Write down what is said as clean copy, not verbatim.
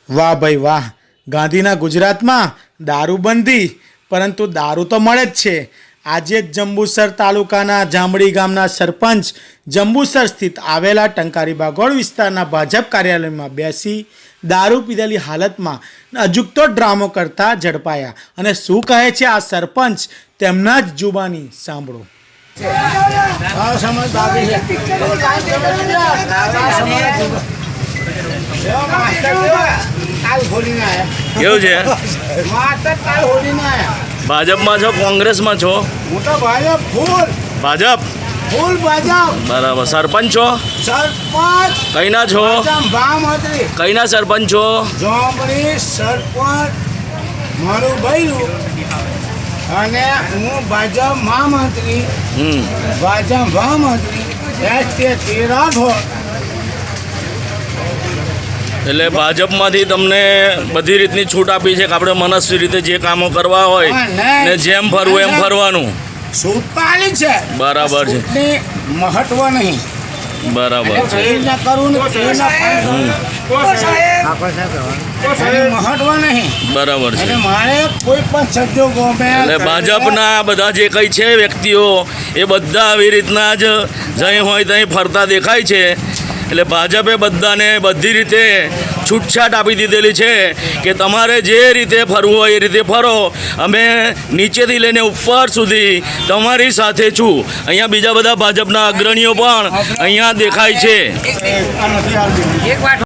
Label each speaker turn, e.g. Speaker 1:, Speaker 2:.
Speaker 1: વાહ ભાઈ વાહ, ગાંધીના ગુજરાતમાં દારૂબંધી, પરંતુ દારૂ તો મળે જ છે. આજે જ જંબુસર તાલુકાના જાંબડી ગામના સરપંચ જંબુસર સ્થિત આવેલા ટંકારી બાગોળ વિસ્તારના ભાજપ કાર્યાલયમાં બેસી દારૂ પીધેલી હાલતમાં અજુકતો ડ્રામો કરતા ઝડપાયા. અને શું કહે છે આ સરપંચ, તેમના જ જુબાની સાંભળો.
Speaker 2: કેવું છે? ભાજપમાં છો કોંગ્રેસમાં છો? ભાજપ. બરાબર. સરપંચ છો? કઈના છો? કઈના સરપંચ છો?
Speaker 3: સરપંચ મારું બૈરું અને હું ભાજપ મહામંત્રી. ભાજપ મહામંત્રી
Speaker 2: એટલે ભાજપમાંથી તમને બધી રીતની છૂટ આપી છે કે આપણે મનસ્વી રીતે જે કામો કરવા હોય ને જેમ ફરવું એમ ફરવાનું.
Speaker 3: છૂટ તો આલી છે.
Speaker 2: બરાબર છે.
Speaker 3: મહત્વ નહીં.
Speaker 2: બરાબર છે.
Speaker 3: મહત્વ નહીં.
Speaker 2: બરાબર છે.
Speaker 3: મારે કોઈ પણ સંજોગો
Speaker 2: એટલે ભાજપના બધા જે કંઈ છે વ્યક્તિઓ એ બધા આવી રીતના જ જઈ હોય ત્યાં ફરતા દેખાય છે. એટલે ભાજપે બધાને બધી રીતે છૂટછાટ આપી દીધેલી છે કે તમારે જે રીતે ફરવું હોય એ રીતે ફરો, અમે નીચેથી લઈને ઉપર સુધી તમારી સાથે છું. અહીંયા બીજા બધા ભાજપના અગ્રણીઓ પણ અહીંયા દેખાય છે.